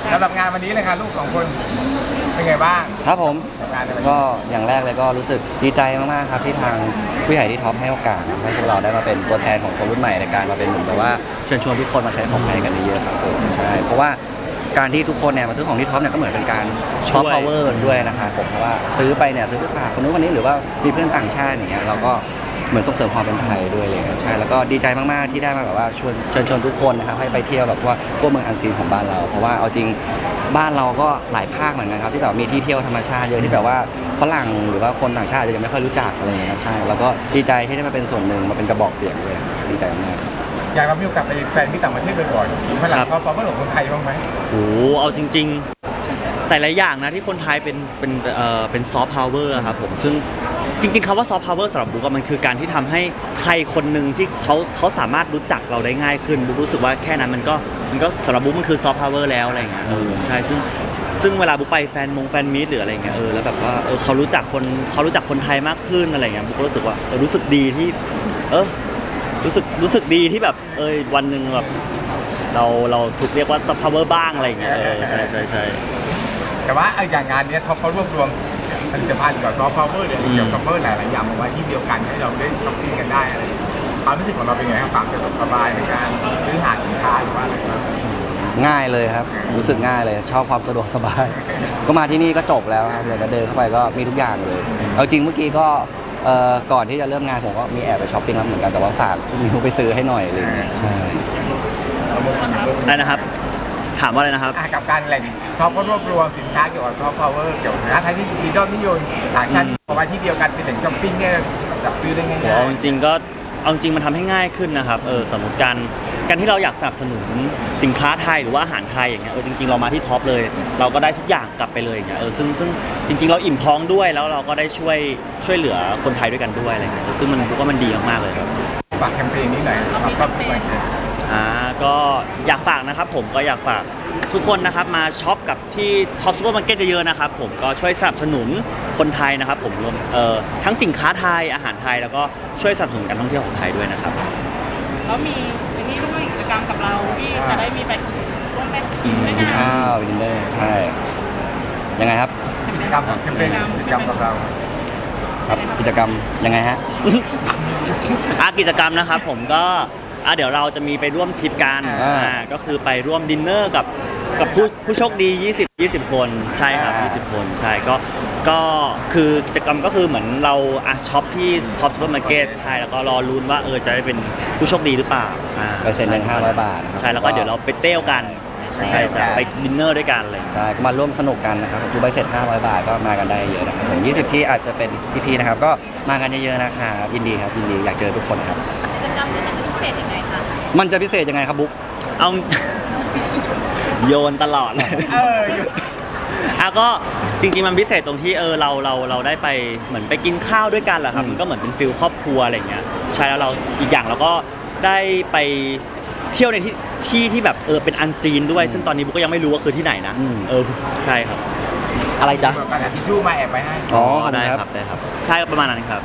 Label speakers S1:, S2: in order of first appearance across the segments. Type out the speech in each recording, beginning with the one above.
S1: สำหรับงานวันนี้เลยค่ะลูกสองคนเป็นไงบ้าง
S2: ครับผม
S1: กับงานในวันนี้
S2: ก็อย่างแรกเลยก็รู้สึกดีใจมากๆครับที่ทางผู้ใหญ่ที่ท็อปให้โอกาสให้พวกเราได้มาเป็นตัวแทนของคนรุ่นใหม่ในการมาเป็นเหมือนแบบว่าเชิญชวนทุกคนมาใช้ของไทยกันเยอะๆครับผมใช่เพราะว่าการที่ทุกคนเนี่ยมาซื้อของที่ท็อปเนี่ยก็เหมือนเป็นการซอฟต์พาวเวอร์ด้วยนะครับผมเพราะว่าซื้อไปเนี่ยซื้อไปฝากคนนู้นคนนี้หรือว่ามีเพื่อนต่างชาติอย่างเงี้ยเราก็เหมือนส่งเสริมความเป็นไทยด้วยเลยครับใช่แล้วก็ดีใจมากๆที่ได้มาแบบว่าเชิญชวนทุกคนนะครับให้ไปเที่ยวแบบว่าพวกเมืองอันซีนของบ้านเราเพราะว่าเอาจริงบ้านเราก็หลายภาคเหมือนกันครับที่แบบมีที่เที่ยวธรรมชาติเยอะที่แบบว่าฝรั่งหรือว่าคนต่างชาติอาจจะยังไม่ค่อยรู้จักอะไรอย่างเงี้ยครับใช่แล้วก็ดีใจที่ได้มาเป็นส่วนหนึ่งมาเป็นกระบอกเสียงด้วยดีใจมาก
S1: อยากเรามีโอกาสไปแฟนที่ต่างประเทศบ่อยๆมีพลังเขาเมื่อหลงคนไทยบ้างไหม
S3: โอ้เอาจริงๆแต่ละอย่างนะที่คนไทยเป็นซอฟต์พาวเวอร์ครับผมซึ่งจริงๆคำว่าซอฟต์พาวเวอร์สำหรับบุ๊กมันคือการที่ทำให้ใครคนหนึ่งที่เขาสามารถรู้จักเราได้ง่ายขึ้นบุ๊กรู้สึกว่าแค่นั้นมันก็สำหรับบุ๊กมันคือซอฟต์พาวเวอร์แล้วอะไรเงี้ยใช่ซึ่งเวลาบุ๊กไปแฟนมีตหรืออะไรเงี้ยแล้วแบบว่าเขารู้จักคนไทยมากขึ้นอะไรเงี้ยบุ๊กก็รู้สึกว่ารู้สึกดีที่รู้สึกดีที่แบบวันหนึ่งแบบเราถูกเรียกว่าซอฟต์พาวเวอร์บ้างอะไรอย่างเงี้ยใช่
S1: แต่ว่าอย่างงานนี้เขารวบรวมผลิตภัณฑ์กับซอฟต์พาวเวอร์หรือเกี่ยวกับหลายๆอย่างมาไว้ที่เดียวกันให้เราได้ช้อปปิ้งกันได้อะไรความรู้สึกของเราเป็นไงครับความสบายในการซื้อหาสินค้าหรือว่าอะไรครับ
S2: ง่ายเลยครับรู้สึกง่ายเลยชอบความสะดวกสบายก็มาที่นี่ก็จบแล้วครับเลยก็เดินเข้าไปก็มีทุกอย่างเลยเอาจริงเมื่อกี้ก็ก่อนที่จะเริ่มงานผมก็มีแอบไปช้อปปิ้งแล้วเหมือนกันแต่ว่าฝากมิวไปซื้อให้หน่อยเลยใช่
S3: ได้นะครับถามว่าอะไรนะครับ
S1: กับการแหล่งเขาก็รวบรวมสินค้าเกี่ยวกับซอฟต์พาวเวอร์เกี่ยวกับสินค้าไทยที่มียอดนิยมต่างชาติเอาไว้ที่เดียวกันเป็นแหล่งช้อปปิ้งเนี่ยจับซื้อได้ง่ายๆ
S3: เอาจริงมันทำให้ง่ายขึ้นนะครับสมมติการที่เราอยากสนับสนุนสินค้าไทยหรือว่าอาหารไทยอย่างเงี้ยจริงๆเรามาที่ท็อปเลยเราก็ได้ทุกอย่างกลับไปเลยอย่างเงี้ยซึ่งจริงๆเราอิ่มท้องด้วยแล้วเราก็ได้ช่วยเหลือคนไทยด้วยกันด้วยอะไรเงี้ยซึ่งมันก็มันดีมากๆเลยครับ
S1: ฝากแคมเปญนี้หน่อยครับ
S3: ก็อยากฝากนะครับผมก็อยากฝากทุกคนนะครับมาช็อปกับที่ท็อปซูเปอร์มาร์เก็ตเยอะๆนะครับผมก็ช่วยสนับสนุนคนไทยนะครับผมรวมทั้งสินค้าไทยอาหารไทยแล้วก็ช่วยสนับสนุนการท่องเที่ยวของไทยด้วยนะครับ
S4: แล้วมีอันนี้ด้วยกิจกรรมกับเราที่จะได้มีไปร่วมไปกินด้วยกัน
S2: ข้าวดินเนอร์ใช่ยังไงครับ
S1: กิจกรรมกับเรา
S2: ครับกิจกรรมยังไงฮะ
S3: กิจกรรมนะครับผมก็เดี๋ยวเราจะมีไปร่วมทริปกันก็คือไปร่วมดินเนอร์กับผู้โชคดี20 คนใช่ครับ20 คนใช่ก็คือกิจกรรมก็คือเหมือนเราช็อปที่ท็อปซูเปอร์มาร์เก็ตใช่แล้วก็รอลุ้นว่าจะได้เป็นผู้โชคดีหรือเปล่า
S2: ไปเซ็นเงิน500 บาท
S3: ใช่แล้วก็เดี๋ยวเราไปเต้วกันใช่จะไปดินเนอร์ด้วยกันเลย
S2: ใช่ก็มาร่วมสนุกกันนะครับดูใบเสร็จ500 บาทก็มากันได้เยอะนะครับผม20ที่อาจจะเป็นพี่ๆนะครับก็มากันเยอะๆนะครับยินดีครับยินดีอยากเจอทุกคนครับ
S4: กิจกรรมนี้มันจะพิเศษยังไงคะ
S2: มันจะพิเศษยังไงครับบุ๊ก
S3: เอาโยนตลอดเลยก็จริงๆมันพิเศษตรงที่เราได้ไปเหมือนไปกินข้าวด้วยกันแหละครับมันก็เหมือนเป็นฟิลครอบครัวอะไรอย่างเงี้ยใช่แล้วเราอีกอย่างเราก็ได้ไปเที่ยวในที่แบบเป็นอันซีนด้วยซึ่งตอนนี้บุ๊กก็ยังไม่รู้ว่าคือที่ไหนนะใช่ครับอะไรจ๊ะ
S1: กระดาษทิชชู่มาแอบไปให้
S3: ได้ครับได้ครับใช่ประมาณนั้นครับ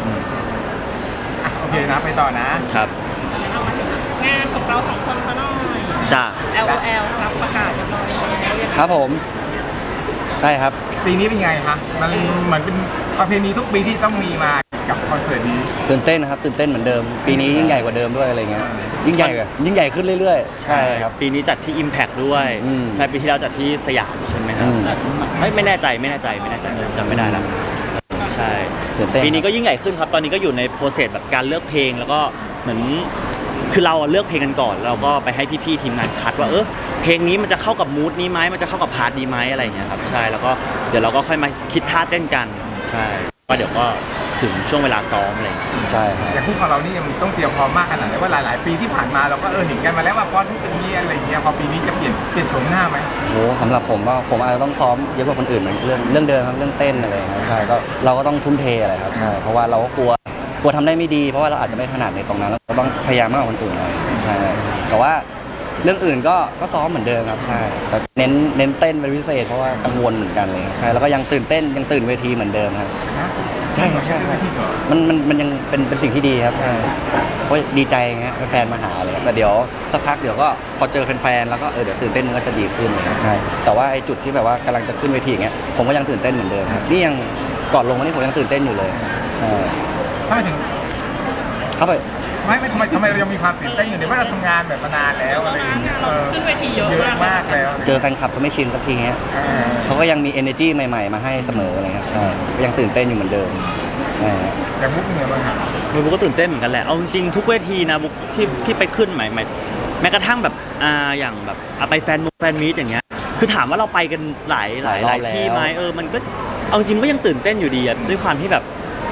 S1: โอเคนะไปต่อนะครับ
S4: งานของเรา2 คนก็น้อย
S3: จ้า
S4: LOL ครับประกาศเรียบร้อยแล้ว
S2: ครับผมใช่ครับ
S1: ปีนี้เป็นไงคะมันเหมือนเป็นประเพณีทุกปีที่ต้องมีมากับคอนเสิร์ตนี้
S2: ตื่นเต้นนะครับตื่นเต้นเหมือนเดิมปีนี้ยิ่งใหญ่กว่าเดิมด้วยอะไรเงี้ยยิ่งใหญ่ขึ้นเรื่อยๆใช่ครับ
S3: ปีนี้จัดที่ Impact ด้วยใช่ปีที่แล้วจัดที่สยามใช่ไหมครับไม่แน่ใจจำไม่ได้แล้วใช่ปีนี้ก็ยิ่งใหญ่ขึ้นครับตอนนี้ก็อยู่ในโปรเซสแบบการเลือกเพลงแล้วก็เหมือนคือเราเลือกเพลงกันก่อนเราก็ไปให้พี่ๆทีมงานคัดว่าเพลงนี้มันจะเข้ากับมูดนี้ไหมมันจะเข้ากับพาร์ทนี้ไหมอะไรอย่างเงี้ยครับใช่แล้วก็เดี๋ยวเราก็ค่อยมาคิดท่าเต้นกันใช่ว่าเดี๋ยวก็ถึงช่วงเวลาซ้อมอะไร
S2: ใช่ครับ
S1: อย่างคู่ของเรานี่ยังต้องเตรียมพร้อมมากขนาดไหนว่าหลายๆปีที่ผ่านมาเราก็เห็นกันมาแล้วว่าพอที่เป็นนี้อะไรอย่างเงี้ยพอปีนี้จะเปลี่ยนโฉมหน้าไหม
S2: โอ้สำหรับผมว่าผมอาจจะต้องซ้อมเยอะกว่าคนอื่นเหมือนเรื่องเดิมครับเรื่องเต้นอะไรครับใช่ก็เราก็ต้องทุ่มเทอะไรครับใช่เพราะว่าเราก็กลัวทำได้ไม่ดีเพราะว่าเราอาจจะไม่ถนัดในตรงนั้นเราต้องพยายามมากกว่าคนอื่นหน่อยใช่แต่ว่าเรื่องอื่นก็ซ้อมเหมือนเดิมครับใช่แต่เน้นเต้นเป็นพิเศษเพราะว่ากังวลเหมือนกันเลยใช่แล้วก็ยังตื่นเต้นยังตื่นเวทีเหมือนเดิมครับใช่ครับใช่ครับ
S1: จริงเหรอ
S2: มันยังเป็นสิ่งที่ดีครับเพราะดีใจไงแฟนๆมาหาเลยแต่เดี๋ยวสักพักเดี๋ยวก็พอเจอแฟนๆแล้วก็เดี๋ยวตื่นเต้นมันก็จะดีขึ้นเลยครับใช่แต่ว่าไอ้จุดที่แบบว่ากำลังจะขึ้นเวทีอย่างเงี้ยผมก็ยังตื่นเต้นเหมือนเดิมครับนี่ยังก่อนลงวันนี้ผมยังตื่นเต้นอยู่เลยใช่
S1: ถ้าถึง
S2: ครับไป
S1: ไม่ทำไมเรายังมีความตื่นเต้นอยู่ในว่าเราทำงานแบบมานานแล้วอะไรอย่างเงี้ย
S4: เราขึ้นเวทีเยอะ
S1: เยอะมากแล้ว
S2: เจอแฟนคลับก็ไม่ชินสักทีฮะ
S1: เออ
S2: เขาก็ยังมี energy ใหม่ๆมาให้เสมอเลยครับใช่ก็ยังตื่นเต้นอยู่เหมือนเดิมใช่ฮะ
S1: อย่างมุกเนี่ยมัน
S3: บุ๊กก็ตื่นเต้นเหมือนกันแหละเอาจริงๆทุกเวทีนะบุ๊กที่ไปขึ้นใหม่แม้กระทั่งแบบอย่างแบบไปแฟนมีตอย่างเงี้ยคือถามว่าเราไปกันหลายที่ไหมมันก็เอาจริงก็ยังตื่นเต้นอยู่ดีอะด้วยความที่แบบ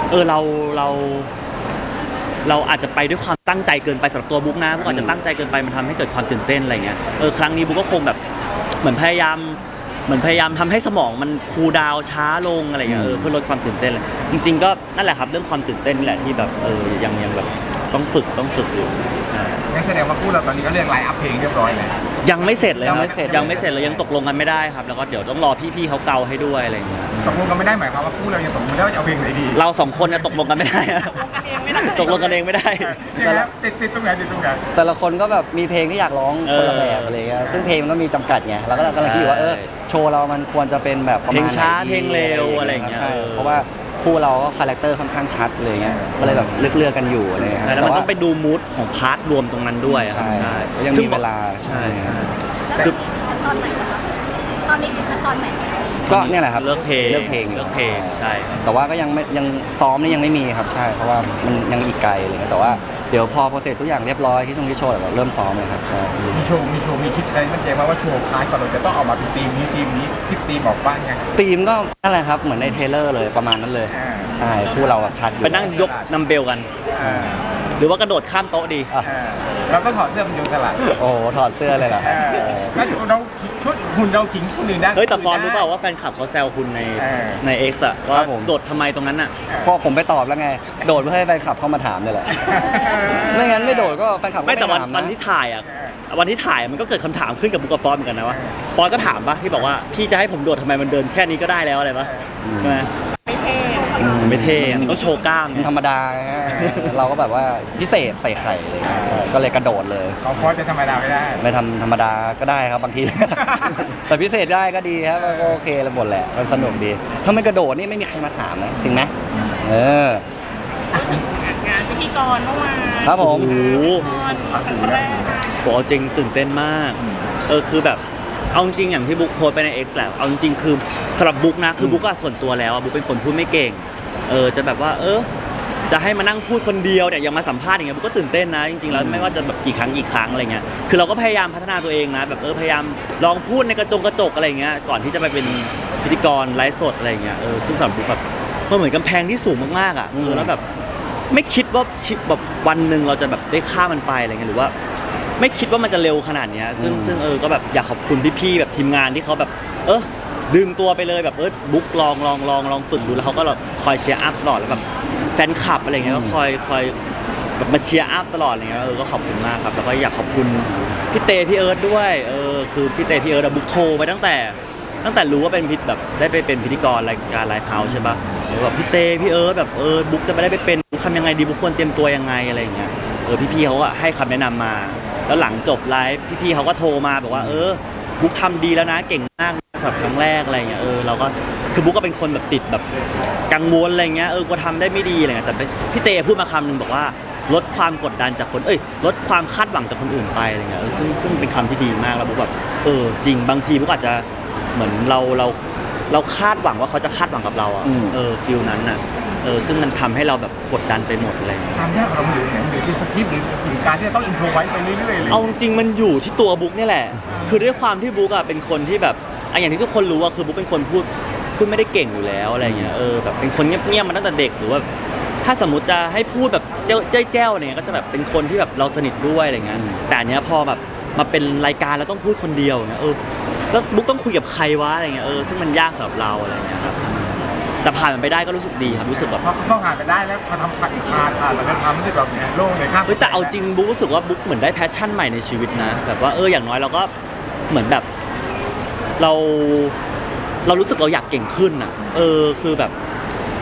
S3: เราอาจจะไปด้วยความตั้งใจเกินไปสำหรับตัวบุ๊กนะบุ๊กอาจจะตั้งใจเกินไปมันทำให้เกิดความตื่นเต้นอะไรเงี้ยครั้งนี้บุ๊กก็คงแบบเหมือนพยายามทำให้สมองมันคูลดาวน์ช้าลงอะไรเงี้ยเพื่อลดความตื่นเต้นเลยจริงๆก็นั่นแหละครับเรื่องความตื่นเต้นนี่แหละที่แบบยังแบบต้องฝึกอยู่ใช่
S1: งั้นแสดงว่าคู่เราตอนนี้ก็เรียกไลน์อัพเพลงเรียบร้อยแล้ว
S3: ยังไม่เสร็จเลยครับ
S1: ยังไม่เสร็จ
S3: เลยยังตกลงกันไม่ได้ครับแล้วก็เดี๋ยวต้องรอพี่ๆเขาเกาให้ด้วยอะไรเงี้ย
S1: ตกลงกันไม่ได้หมายความว่าคู่เรายังตกลงไม่ได้ว่าจะเอาเพลงไหนดี
S3: เราสองคนจะตกลงกันไม่ได้อะตกลงกันเองไม่ได้
S1: ยังไงครับติดตรงไหน
S2: แต่ละคนก็แบบมีเพลงที่อยากร้องคนละแบบอะไรเงี้ยซึ่งเพลงมันก็มีจำกัดไงเราก็กำลังคิดอยู่ว่าโชว์เรามันควรจะเป็นแบบประ
S3: เพล
S2: มาณ
S3: ง
S2: ไหน
S3: ช้า
S2: ดี
S3: เพลงเร็วอะไรอย่างเงี้ย
S2: ใช่เพราะว่าคู่เราก็คาแรคเตอร์ค่อนข้างชัดเลยเงี้ยก็เลยแบบเลือกกันอยู่อะไรเงี้ย
S3: ใช่แล้วมันต้องไปดูมูดของพาร์ทรวมตรงนั้นด้วยครับ
S2: ใช่แล้วยัง
S3: ซึ่
S2: มีเวลา
S3: ใช่
S5: แล้วตอนไหนนะคะตอนนี้คือขั้นตอนไหนแล้ว
S2: ก็เนี่ยแหละครับ
S3: เลือกเพลง
S2: เลือกเพลงอยู่
S3: ใช่ครับ
S2: แต่ว่าก็ยังซ้อมนี่ยังไม่มีครับใช่เพราะว่ามันยังอีกไกลอะไรเงี้ยแต่ว่าเดี๋ยวพอโปรเซสทุกอย่างเรียบร้อยที่ตรงที่โชว์เราเริ่มซ้อมเลยครับใช่
S1: มีโชว์มีคิดอะไรมันเจมาว่าโชว์พาร์ทก่อนเราจะต้องออกมาเป็นทีมนี้คิดทีมออกบ้างไง
S2: ธีมก็นั่นแหละครับเหมือนในเทรลเลอร์เลยประมาณนั้นเลย
S1: อ่า
S2: ใช่คู่เราแบบชัดอยู่
S3: ไปนั่งยกนัมเบลกัน
S1: อ่า
S3: หรือว่ากระโดดข้ามโต๊ะดี
S2: อ่ะ
S1: เราก็ถอดเสื้อมันโยนตลาด
S2: โอ้โหถอดเสื้อเลยเหรอครับ
S1: ก็เราชุดหุ่นเราขิงคนอื่นได้
S3: เฮ้ยแต่ฟอนรู้เปล่าว่าแฟนคลับเขาแซวคุณใน X อะว่าโดดทำไมตรงนั้นอะ
S2: พอผมไปตอบแล้วไง โดดเพื่อให้แฟนคลับเข้ามาถามนี่แหละ ไม่งั้นไม่โดดก็แฟนคลับก็
S3: ไม่
S2: ไม่
S3: แต่วัน
S2: ถาม
S3: วัน
S2: นะ
S3: ที่ถ่ายอะวันที่ถ่ายมันก็เกิดคำถามขึ้นกับบุ๊กกับฟอนเหมือนกันนะว่าฟอนก็ถามปะที่บอกว่าพี่จะให้ผมโดดทำไมมันเดินแค่นี้ก็ได้แล้วอะไรปะใช่ไหม
S4: ไม่เท่
S3: ไม่เท่อะมันต้องโชว์กล้าม
S2: มัน
S3: ไง
S2: ธรรมดาฮะเราก็แบบว่าพิเศษใส่ไข่อะไรเงี้ยใช่ก็เลยกระโดดเลย
S1: เขาพอจะธรรมดาไม่ได้
S2: ไม่ทำธรรมดาก็ได้ครับบางที แต่พิเศษได้ก็ดีครับก็โอเคแล้วหมดแหละมันสนุกดีถ้าไม่กระโดดนี่ไม่มีใครมาถามนะจริงไหมเออ
S4: งานพิธีกรเมื่อวาน
S2: ครับผม
S3: โอ้โห
S4: พิธีกรครั้งแรก
S3: บอกเอาจริงตื่นเต้นมากคือแบบเอาจริงอย่างที่บุ๊กโพสต์ไปใน X แหละเอาจริงคือสำหรับบุ๊กนะคือบุ๊กอะส่วนตัวแล้วอะบุ๊กเป็นคนพูดไม่เก่งจะแบบว่าจะให้มานั่งพูดคนเดียวเนี่ยยังมาสัมภาษณ์อย่างเงี้ยบุ๊กก็ตื่นเต้นนะจริงๆแล้วไม่ว่าจะแบบกี่ครั้งอะไรเงี้ยคือเราก็พยายามพัฒนาตัวเองนะแบบพยายามลองพูดในกระจกอะไรเงี้ยก่อนที่จะไปเป็นพิธีกรไลฟ์สดอะไรเงี้ยซึ่งสำหรับบุ๊กแบบมันเหมือนกำแพงที่สูงมากๆอะแล้วแบบไม่คิดว่าแบบวันหนึ่งเราจะแบบได้ข้ามมันไปอะไรเงี้ยหรือว่าไม่คิดว่ามันจะเร็วขนาดเนี้ยซึ่งก็แบบอยากขอบคุณพี่ๆแบบทีมงานที่เขาแบบดึงตัวไปเลยแบบบุ๊กลองฝึกดูแล้วเขาก็แบบคอยเชียร์อัพตลอดแล้วแบบแฟนคลับอะไรเงี้ยก็คอยแบบมาเชียร์อัพตลอดอะไรเงี้ยก็ขอบคุณมากครับแล้วก็อยากขอบคุณพี่เตพี่เอิร์ธด้วยคือพี่เตพี่เอิร์ธบุ๊กโทรไปตั้งแต่รู้ว่าเป็นพิธีแบบได้ไปเป็นพิธีกรรายการไลฟ์เฮาส์ใช่ปะแบบพี่เตพี่เอิร์ธแบบบุ๊กจะไม่ได้ไปเป็นบุ๊กทำยังไงดีบุ๊กควรเตรียมตัวยังไงอะไรอย่างเงี้ยพี่เขาก็ให้คำแนะนำมาแล้วหลังจบไลฟ์พี่เขาก็โทรมาบอกว่าบุ๊กทำดีแล้วนะเก่งมากสำหรับครั้งแรกอะไรเงี้ยเราก็คือบุ๊กก็เป็นคนแบบติดแบบกังวลอะไรเงี้ยก็ทำได้ไม่ดีอะไรเงี้ยแต่พี่เตพูดมาคำนึงบอกว่าลดความกดดันจากคนลดความคาดหวังจากคนอื่นไปอะไรเงี้ยซึ่งเป็นคำที่ดีมากแล้วบุ๊กแบบจริงบางทีบุ๊กอาจจะเหมือนเราคาดหวังว่าเขาจะคาดหวังกับเราฟิลนั้นน่ะซึ่งมันทำให้เราแบบกดดันไปหมดอะไรเลย
S1: ความยากของเราอยู่ที่สคริปต์หรือการที่จะต้องอินโทรไว้ไปเรื่อยๆเลย
S3: เอาจริงมันอยู่ที่ตัวบุ๊กนี่แหละ คือด้วยความที่บุ๊กอะเป็นคนที่แบบอย่างที่ทุกคนรู้อะคือบุ๊กเป็นคนพูดไม่ได้เก่งอยู่แล้วอะไรเงี้ยแบบเป็นคนเงียบๆมาตั้งแต่เด็กหรือว่าถ้าสมมติจะให้พูดแบบเจ้าอะไรเงี้ยก็จะแบบเป็นคนที่แบบเราสนิทด้วยอะไรเงี้ยแต่อันเนี้ยพอแบบมาเป็นรายการแล้วต้องพูดคนเดียวเนี่ยแล้วบุ๊กต้องคุยกับใครวะอะไรเงี้ยซึ่งมันยากสำหรับเราอะไรเงี้ยครับแต่ผ่านมันไปได้ก็รู้สึกดีครับรู้สึกแบบ
S1: พอผ่านไปได้แล้วพอทำผ่านแล้วเป็นความรู้สึกแบบเนี้ยโล่งเลยครับ
S3: แต่เอาจริงบุ๊กรู้สึกว่าบุ๊กเหมือนได้แพชชั่นใหม่ในชีวิตนะแบบว่าอย่างน้อยเราก็เหมือนแบบเรารู้สึกเราอยากเก่งขึ้นอ่ะคือแบบ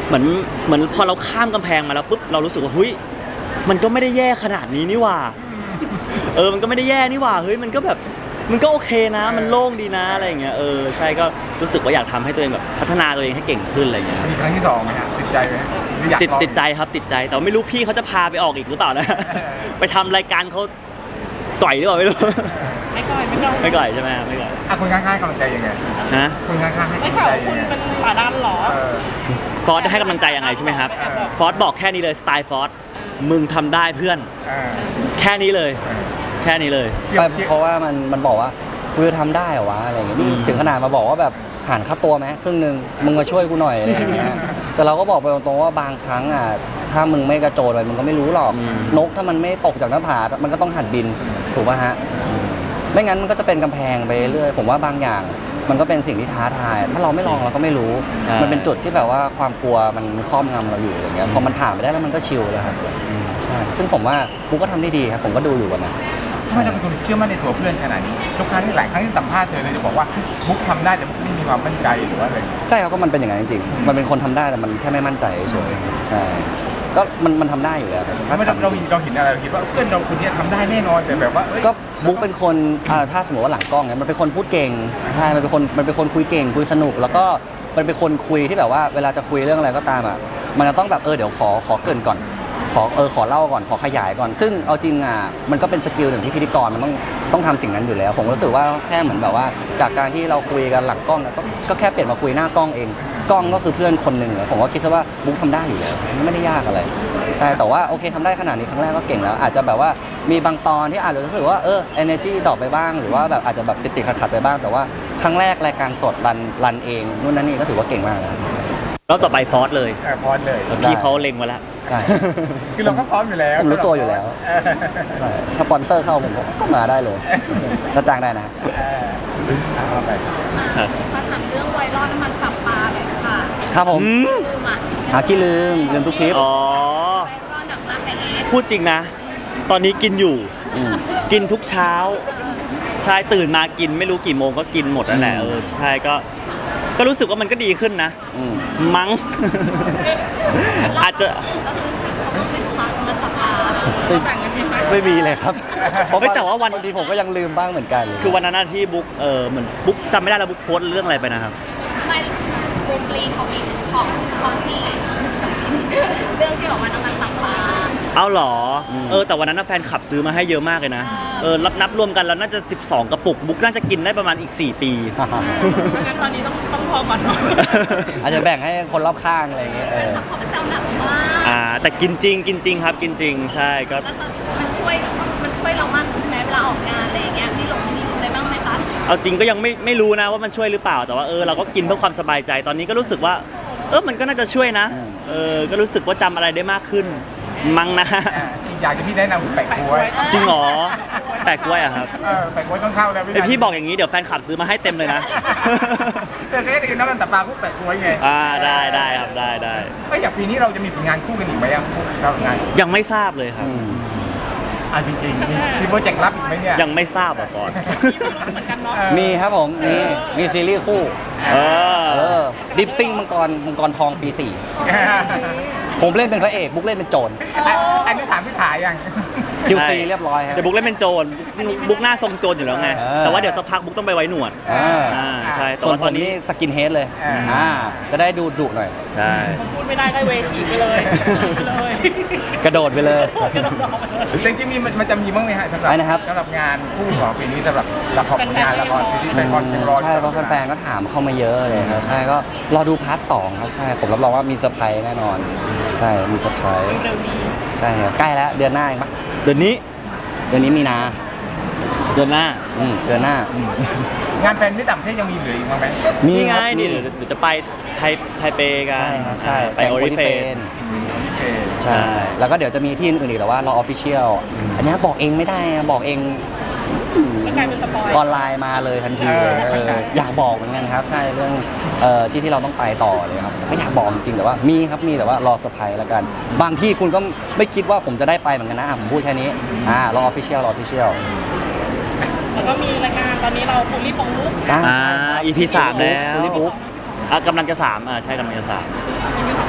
S3: เหมือนพอเราข้ามกำแพงมาแล้วปุ๊บเรารู้สึกว่าเฮ้ยมันก็ไม่ได้แย่ขนาดนี้นี่หว่ามันก็ไม่ได้แย่นี่หว่าเฮ้ยมันก็แบบมันก็โอเคนะ มันโล่งดีนะอะไรอย่างเงี้ยใช่ก็รู้สึกว่าอยากทำให้ตัวเองแบบพัฒนาตัวเองให้เก่งขึ้นอะไรอย่างเงี้ย
S1: มีครั้งที่2ไหมฮะติดใจไหมหรืออยากลอง
S3: ติดใจครับติดใจแต่ว่าไม่รู้พี่เขาจะพาไปออกอีกหรือเปล่านะ ไปทำรายการเขาก่อยหรือเปล่าไม่รู้
S4: ไม่ก่อยไม่ก่อย
S3: ไม่ก่อยใช่ไหมไม่ก่อย
S1: คนข้างๆกำลังใจยังไง
S3: ฮะ
S1: คนข้างๆให้
S4: ไม่
S1: กำลัง
S4: ข่าว
S1: ใจ
S4: คุ
S1: ยั
S4: ณ
S1: งไง
S4: เป็นป่าดันเหรอ
S3: ฟอสได้ให้กำลังใจยังไงใช่ไหมครับฟอสบอกแค่นี้เลยสไตล์ฟอสมึงทำได้เพื่อน
S1: เออ
S3: แค่นี้เลย แค่นี้เลย
S2: เพราะว่ามันบอกว่ากูจะทำได้เหรอวะอะไรอย่างเงี้ยนี่ถึงขนาดมาบอกว่าแบบหารค่าตัวไหมครึ่งหนึงมึงมาช่วยกูหน่อยอะไรอย่างเงี้ยแต่เราก็บอกไปตรงๆว่าบางครั้งอ่ะถ้ามึงไม่กระโจนไปมึงก็ไม่รู้หรอก นกถ้ามันไม่ตกจากหน้าผา มันก็ต้องหัดบินถูกป่ะฮะไม่งั้นมันก็จะเป็นกำแพงไปเรื่อยผมว่าบางอย่างมันก็เป็นสิ่งที่ท้าทาย ถ้าเราไม่ลองเราก็ไม่รู้
S3: ใช่
S2: มันเป็นจุดที่แบบว่าความกลัวมันครอบงำเราอยู่อย่างเงี้ยพอมันผ่านไปได้แล้วมันก็ชิลแล้วครับใช่ซึ่งผมว่าบุ๊กก็ทำได้ดีครับผมก็ดูอยู่วันนั้น
S1: ทำไมเราเป็นคนเชื่อมั่นในตัวเพื่อนขนาดนี้ทุกครั้งที่หลายครั้งที่สัมภาษณ์เธอเลยจะบอกว่าบุ๊กทำได้แต่บุ๊กไม่มีความมั่นใจหรือว่าอะไร
S2: ใช่ครับก็มันเป็นอย่างนั้นจริงๆ มันเป็นคนทำได้แต่มันแค่ไม่มั่นใจเฉยๆใช่ก็มันทำได้อยู่แล้ว
S1: ทำไมเราเห็นอะไรเราคิดว่าเพื่อนเราคนนี้ทำได้แน่นอนแต่แบบว่าเอ้ย
S2: ก็บุ๊กเป็นคนถ้าสมมติว่าหลังกล้องเนี่ยมันเป็นคนพูดเก่งใช่มันเป็นคนคุยเก่งคุยสนุกแล้วก็มันเป็นคนคุยที่แบบว่าเวลาจะคุยเรื่องอะไรก็ตามอ่ะมันจะต้องแบบเดี๋ยวขอเกริ่นก่อนขอเล่าก่อนขอขยายก่อนซึ่งเอาจริงอ่ะมันก็เป็นสกิลหนึ่งที่พิธีกรมันต้องทำสิ่งนั้นอยู่แล้ว ผมรู้สึกว่าแค่เหมือนแบบว่าจากการที่เราคุยกันหลังกล้องก็แค่เปลี่ยนมาคุยหน้ากล้องเองกล้องก็คือเพื่อนคนหนึ่งเลยผมก็คิดซะว่าบุ๊กทำได้อยู่แล้วไม่ได้ยากอะไรใช่แต่ว่าโอเคทำได้ขนาดนี้ครั้งแรกก็เก่งแล้ว อาจจะแบบว่ามีบางตอนที่อาจจะรู้สึกว่าenergy ดรอปไปบ้างหรือว่าแบบอาจจะแบบติดขัดไปบ้างแต่ว่าครั้งแรกรายการสดรันเองนู่นนั่นนี่ก็ถือว่าเก่งมากแล้ว
S3: แล้วต่อไปฟอสเลย
S1: พร้อมเลย
S3: แล้วพี่เขาเล็งมาแล้ว
S2: ใช่
S1: คือเราก็พร้อมอยู่แล้ว
S2: ผมรู้ตัวอยู่แล้ว ใช่ถ้าสปอนเซอร์เข้าผมก็มาได้เลยก็จ้างได้นะ
S1: เอาไป
S5: มาถามเรื่องไวรัลน้ำมันตับปลาเลยค่ะ
S2: ครับผม
S5: ลืมอ่ะ
S2: หาขี้ลืมทุกทริป
S3: อ๋อ
S5: ไวรัลหนักมากไปเอง
S3: พูดจริงนะ ตอนนี้กินอยู่
S2: ม
S3: กินทุกเช้า ใช่ตื่นมากินไม่รู้กี่โมงก็กินหมดนั่นแหละใช่ก็รู้สึกว่ามันก็ดีขึ้นนะ
S2: อืม
S3: มั้ง อาจจะ
S5: เราซื้อเขาเป็นพักมันตับปลา
S4: แบ่งกันยังไง
S2: ไม่มีเลยครับเพราะ
S3: เฮ้ยแต่ว่าวัน
S2: บางทีผมก็ยังลืมบ้างเหมือนกัน
S3: คือวันนั้นนะที่บุ๊กเหมือนบุ๊กจำไม่ได้แล้วบุ๊กโพสต์เรื่องอะไรไปนะครับ
S5: ไม่บูมปลีของอีกของที่เรื่องที่บอกว่าน้ำมันตับปลา
S3: เอาเหรอแต่วันนั้นนะแฟนขับซื้อมาให้เยอะมากเลยนะนับรวมกันแล้วน่าจะ12กระปุกบุ๊กน่าจะกินได้ประมาณอีก4 ปี
S4: เพราะงั้นตอนนี้ต้องพอก่อนเนาะ
S2: อาจจะแบ่งให้คนรอบข้างอะไรอย่างเงี้ย
S5: เขาเป็นเจ้าหนักมาก
S3: แต่กินจริงครับกินจริงใช่ก็
S5: แล้วมันช่วยเรามากแม้เวลาออกงานอะไรอย่างเงี้ยที่หลงที่อะไรบ้างไหมคะ
S3: เอาจริงก็ยังไม่รู้นะว่ามันช่วยหรือเปล่าแต่ว่าเราก็กินเพื่อความสบายใจตอนนี้ก็รู้สึกว่ามันก็น่าจะช่วยนะก็รู้สึกว่าจำอะไรได้มากขึ้นมั้งนะ
S1: อีกอย่างที่พี่แนะนำคือแปะกล้วย
S3: จริงเหรอแปลกกล้วยอะครับ
S1: แปะกล้วยต้องเข้าแล้ว
S3: พี่บอกอย่างนี้เดี๋ยวแฟนคลับซื้อมาให้เต็มเลยนะ
S1: เธอเคยได้กินน้ำมันตับปลาพวกแปะกล้วยไง
S3: ได้ครับได้
S1: อย่างปีนี้เราจะมีผลงานคู่กันอีกไหมอ่ะเรางาน
S3: ยังไม่ทราบเลยครับ
S1: จริงๆมีโปรเจกต์ลับอีกไหมเนี่ย
S3: ยังไม่ทราบก่อน
S4: เหมือนกันเนาะ
S2: มีครับผมมีซีรีส์คู่ดิฟซิ่งมังกรทองปี 4 ผมเล่นเป็นพระเอกบุ๊กเล่นเป็นโจร
S1: อันนี้ถามพี่ถ่ายยัง
S2: QC เรียบร้อยครับ
S3: เดี๋ยวบุ๊กเล่นเป็นโจรบุ๊กหน้าทรงโจรอยู่แล้วไง แต่ว่าเดี๋ยวสักพักบุ๊กต้องไปไว้หนวดใช่แต่
S2: ส่วน
S3: ว่า
S2: ผ
S3: ตอ
S2: ม
S3: นนี้
S2: นี่สกินเฮดเลยจะได้ดุหน่อย
S3: ใช่
S4: พูดไม่ได้ก็เวฉีไปเลยฉีไปเลย
S2: กระโดดไปเลย
S4: กระโดดออกมาเลย
S1: จริงๆมันจะมีบ้างไหมฮะสำหรับ
S2: อะไรนะครับ
S1: สำหรับงานคู่ของปีนี้สำหรับละครงานละครซีรีส์แฟนคอนเป็นรอ
S2: ใช่เพราะแฟนๆก็ถามเข้ามาเยอะเลยครับใช่ก็รอดูพาร์ท 2 ครับใช่ผมรับรองว่ามีเซอร์ไพรส์แน่นอน ใช่มีเซอร์ไพรส์
S4: เร็วนี้
S2: ใช่ครับใกล้แล้วเดือนหน้าเองปะ
S3: เดือนนี้
S2: เดือนนี้มีนา
S3: เดือนหน้า
S2: เดือนหน้า
S1: งานแฟนที่ต่างประเทศยังมีเหลืออีกบ้างไหม
S2: มี
S3: นี่ไง
S2: ครับ
S3: นี่เดี๋ยวจะไปไทเปกัน
S2: ใช่ครับใช่
S3: ไปโอริเฟน
S1: โอเค
S2: ใช่ แล้วก็เดี๋ยวจะมีที่อื่นๆอีกแต่ว่ารอออฟฟิเชียลอันนี้บอกเองไม่ได้นะบอกเอง
S4: ก็กลายเป็นสปอย
S2: ออนไลน์มาเลยทันทีเลยอยากบอกเหมือนกันครับ ใช่เรื่องที่เราต้องไปต่อเลยครับก็อยากบอกจริงๆแต่ว่ามีครับมีแต่ว่ารอเซอร์ไพรส์แล้วกัน บางที่คุณก็ไม่คิดว่าผมจะได้ไปเหมือนกันนะผมพูดแค่นี้รอออฟฟิเชียลรอออฟฟิเชียล
S4: แล้วก็มีรายการตอนนี้เราฟูลลี่ปองลุก
S2: ใช่
S3: EP 3 แล้ว
S2: ฟูลี่บุ๊ก
S3: กำลังจะ3ใช่กำลังจะ3
S4: เป็นยังไง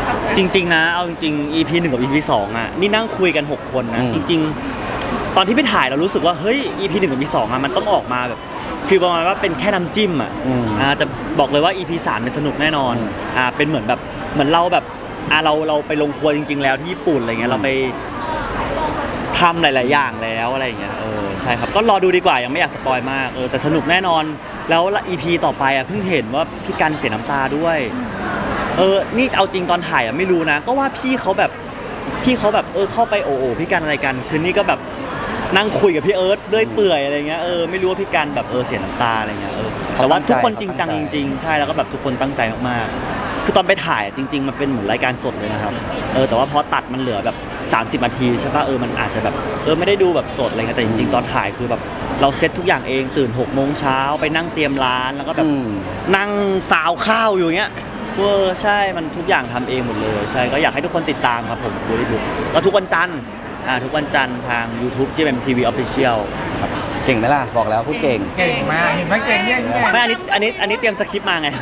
S3: จริงๆนะเอาจริงๆ EP 1 กับ EP 2อ่ะนี่นั่งคุยกัน 6 คนนะ จริงๆ ตอนที่ไปถ่ายเรารู้สึกว่าเฮ้ย EP 1 กับ EP 2อ่ะมันต้องออกมาแบบฟีลประมาณว่าเป็นแค่น้ำจิ้มอ่ะแต่บอกเลยว่า EP 3เนี่ยสนุกแน่นอนเป็นเหมือนแบบเหมือนเราแบบเราไปลงครัวจริง ๆ แล้วที่ญี่ปุ่นอะไรเงี้ยเราไปทำหลายๆอย่างแล้วอะไรอย่างเงี้ยใช่ครับก็รอดูดีกว่ายังไม่อยากสปอยมากแต่สนุกแน่นอนแล้ว EP ต่อไปอ่ะเพิ่งเห็นว่าพี่กันเสียน้ำตาด้วยนี่เอาจริงตอนถ่ายอ่ะไม่รู้นะก็ว่าพี่เขาแบบเข้าไปโอ้พี่กันอะไรกันคืนนี้ก็แบบนั่งคุยกับพี่เอิร์ธด้วยเปื่อยอะไรเงี้ยไม่รู้ว่าพี่กันแบบเสียน้ำตาอะไรเงี้ยแต่ว่าทุกคนจริงจังจริงๆใช่แล้วก็แบบทุกคนตั้งใจมากๆคือตอนไปถ่ายจริงๆมันเป็นเหมือนรายการสดเลยนะครับแต่ว่าพอตัดมันเหลือแบบ30 นาทีใช่ป่ะมันอาจจะแบบไม่ได้ดูแบบสดอะไรเงี้ยแต่จริงๆตอนถ่ายคือแบบเราเซตทุกอย่างเองตื่น6 โมงเช้าไปนั่งเตรียมร้านแล้วก็แบบนั่งซาวข้าวอยู่เงี้ยใช่มันทุกอย่างทำเองหมดเลยใช่ก็อยากให้ทุกคนติดตามครับผมฟูลี่บุ๊กก็ทุกวันจันทร์ทุกวันจันทร์ทาง YouTube GMMTV Official ครับ
S2: เก่งไหมล่ะบอกแล้วพูดเก่ง
S1: เก่งมากเห็นไหมเก่งเนี่ย
S3: ไม่อันนี้เตรียมสคริปต์มาไง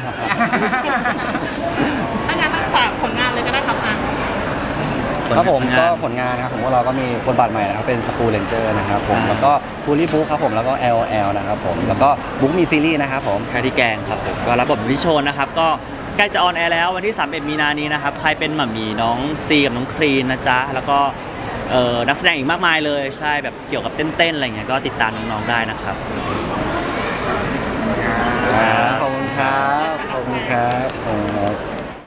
S4: ถ้างั้นฝากผลงานเลยก็ได้ครับ
S2: ครับผมก็ผลงานนะครับผมพวกเราก็มีบทบาทใหม่นะครับเป็น School Ranger นะครับผมแล้วก็ Fully Book ครับผมแล้วก็ LOL นะครับผมแล้วก็บุ๊กมีซีรีส์นะครับผม
S3: แค่ที่แกงครับผมก็รับบทเป็นพี่โชนนะครับก็ใกล้จะออนแอร์แล้ววันที่31 มีนานี้นะครับใครเป็นหม่ามีน้องซีกับน้องครีนนะจ๊ะแล้วก็นักแสดงอีกมากมายเลยใช่แบบเกี่ยวกับเต้นๆอะไรเงี้ยก็ติดตามน้องๆได้นะครับ
S2: ขอบคุณครับขอบคุณครับ